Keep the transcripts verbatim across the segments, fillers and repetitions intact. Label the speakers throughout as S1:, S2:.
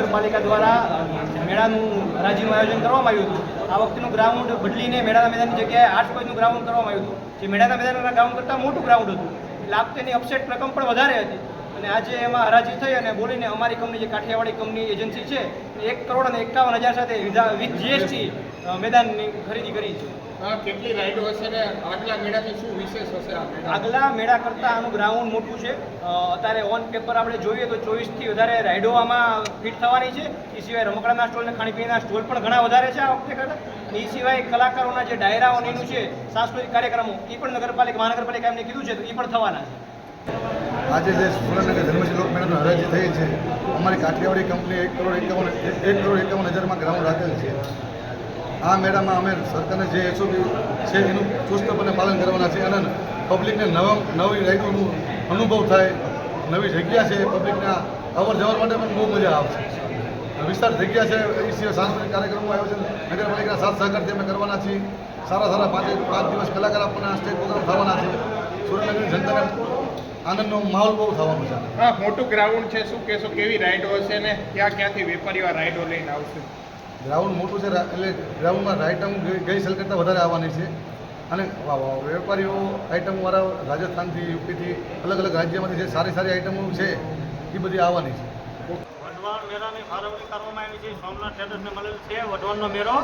S1: મહાનગરપાલિકા દ્વારા મેળાનું હરાજીનું આયોજન કરવામાં આવ્યું હતું. આ વખતેનું ગ્રાઉન્ડ બદલીને મેળાના મેદાનની જગ્યાએ આઠ કોઈનું ગ્રાઉન્ડ કરવામાં આવ્યું હતું, જે મેળાના મેદાનના ગ્રાઉન્ડ કરતાં મોટું ગ્રાઉન્ડ હતું. એટલે આ વખતેની અપસેટ રકમ પણ વધારે હતી અને આજે એમાં હરાજી થઈ અને બોલીને અમારી કંપની જે કાઠિયાવાડી કંપની એજન્સી છે એક કરોડ અને એકાવન હજાર સાથે વિથ જીએસટી મેદાનની ખરીદી કરી છે.
S2: કેટલી રાઈડો હશે ને આગલા મેળાથી શું વિશેષ હશે?
S1: આગલા મેળા કરતાં આનું ગ્રાઉન્ડ મોટું છે. અત્યારે ઓન પેપર આપણે જોઈએ તો ચોવીસથી વધારે રાઈડો આમાં ફિટ થવાની છે. એ સિવાય રમકડાના સ્ટોલ અને ખાણીપીણીના સ્ટોલ પણ ઘણા વધારે છે આ વખતે કરતાં. એ સિવાય કલાકારોના જે ડાયરાઓ એનું છે સાંસ્કૃતિક કાર્યક્રમો એ પણ નગરપાલિકા મહાનગરપાલિકા એમને કીધું છે તો એ પણ થવાના છે.
S3: આજે જે સુરેન્દ્રનગર ધર્મશીલ લોકમેળાની હરાજી થઈ છે, અમારી કાઠિયાવાડી કંપની એક કરોડ એકાવન એક કરોડ એકાવન હજારમાં ગ્રાઉન્ડ રાખેલ છે. આ મેળામાં અમે સરકારને જે એસઓપી છે એનું ચુસ્તપણે પાલન કરવાના છે અને પબ્લિકને નવા નવી રાઇડોનું અનુભવ થાય, નવી જગ્યા છે, પબ્લિકને અવર જવર માટે પણ બહુ મજા આવશે. વિસ્તાર જગ્યા છે, એ સિવાય સાંસ્કૃતિક કાર્યક્રમો આયોજન નગરપાલિકાના સાથ સહકારથી અમે કરવાના છીએ. સારા સારા પાંચ પાંચ દિવસ કલાકાર આપણને સ્ટેજ પ્રોગ્રામ થવાના છે. સુરેન્દ્રનગરની જનતાને આનંદનો માહોલ બહુ થવાનો છે.
S2: હા, મોટું ગ્રાઉન્ડ છે, શું કહેશો? કેવી રાઈડો હશે ને ક્યાં ક્યાંથી વેપારીઓ રાઈડો લઈને આવશે?
S3: ગ્રાઉન્ડ મોટું છે એટલે ગ્રાઉન્ડમાં આઈટમ ગઈ સાલ કરતાં વધારે આવવાની છે અને વેપારીઓ આઈટમવાળા રાજસ્થાનથી યુપીથી અલગ અલગ રાજ્યમાંથી જે સારી સારી આઈટમો છે એ બધી આવવાની છે.
S1: વઢવાણ મેળાની ફાળવણી કરવામાં આવી છે. સોમનાથ ટ્રેડર્સને મળેલ છે વઢવાણનો મેળો,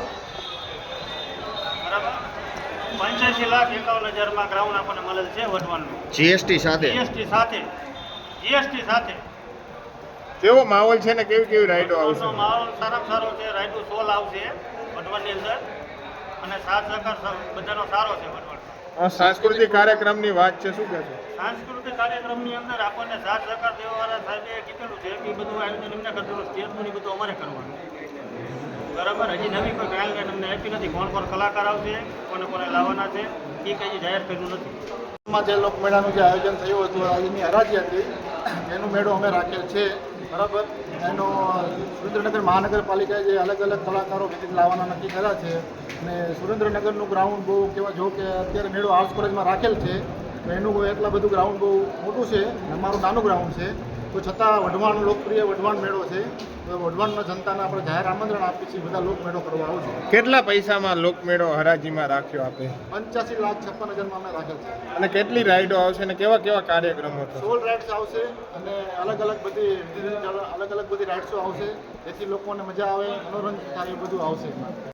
S1: બરાબર. પંચ્યાસી લાખ એકાવન હજારમાં ગ્રાઉન્ડ આપણને મળેલ છે વઢવાણનું,
S2: જીએસટી સાથે
S1: જીએસટી સાથે જીએસટી સાથે
S2: કેવો માહોલ છે ને કેવી કેવી રાઈડો આવશે?
S1: માહોલ સારામાં સારો છે. રાઈડો સોલ આવશે વઢવાણની અંદર અને સાથ સહકાર બધાનો સારો છે વઢવાણ.
S2: સાંસ્કૃતિક કાર્યક્રમની વાત છે, શું કહેશો?
S1: સાંસ્કૃતિક કાર્યક્રમની અંદર આપણને સાથ સહકાર દેવાવાળા સાહેબે કીધેલું છે કે બધું આયોજન એમને કરવાનું, સ્ટેજનું બધું અમારે કરવાનું, બરાબર. હજી નવી કોઈ ગાઈડલાઈન અમને આપી નથી. કોણ કોણ કલાકાર આવશે, કોને કોને લાવવાના છે એ કંઈ જાહેર કર્યું નથી.
S3: જે લોકમેળાનું જે આયોજન થયું હતું, આજની હરાજી હતી, એનું મેળો અમે રાખેલ છે, બરાબર. એનો સુરેન્દ્રનગર મહાનગરપાલિકાએ જે અલગ અલગ કલાકારો વિઝિટ લાવવાના નક્કી કર્યા છે અને સુરેન્દ્રનગરનું ગ્રાઉન્ડ બહુ કહેવા જો કે અત્યારે મેળો આર્ટ્સ કોલેજમાં રાખેલ છે તો એનું એટલા બધું ગ્રાઉન્ડ બહુ મોટું છે, અમારું નાનું ગ્રાઉન્ડ છે, તો છતાં વઢવાણ લોકપ્રિય વઢવાણ મેળો છે. તો વઢવાણના જનતાને આપણે જાહેર આમંત્રણ આપીએ છીએ, બધા લોકમેળો કરવા આવશે.
S2: કેટલા પૈસામાં લોકમેળો હરાજીમાં રાખ્યો આપે?
S3: પંચ્યાસી લાખ છપ્પન હજારમાં અમે રાખેલ છે.
S2: અને કેટલી રાઈડો આવશે ને કેવા કેવા કાર્યક્રમો થશે?
S3: સોળ રાઇડ્સ આવશે અને અલગ અલગ બધી અલગ અલગ બધી રાઇડ્સો આવશે, જેથી લોકોને મજા આવે, મનોરંજન થાય, એ બધું આવશે.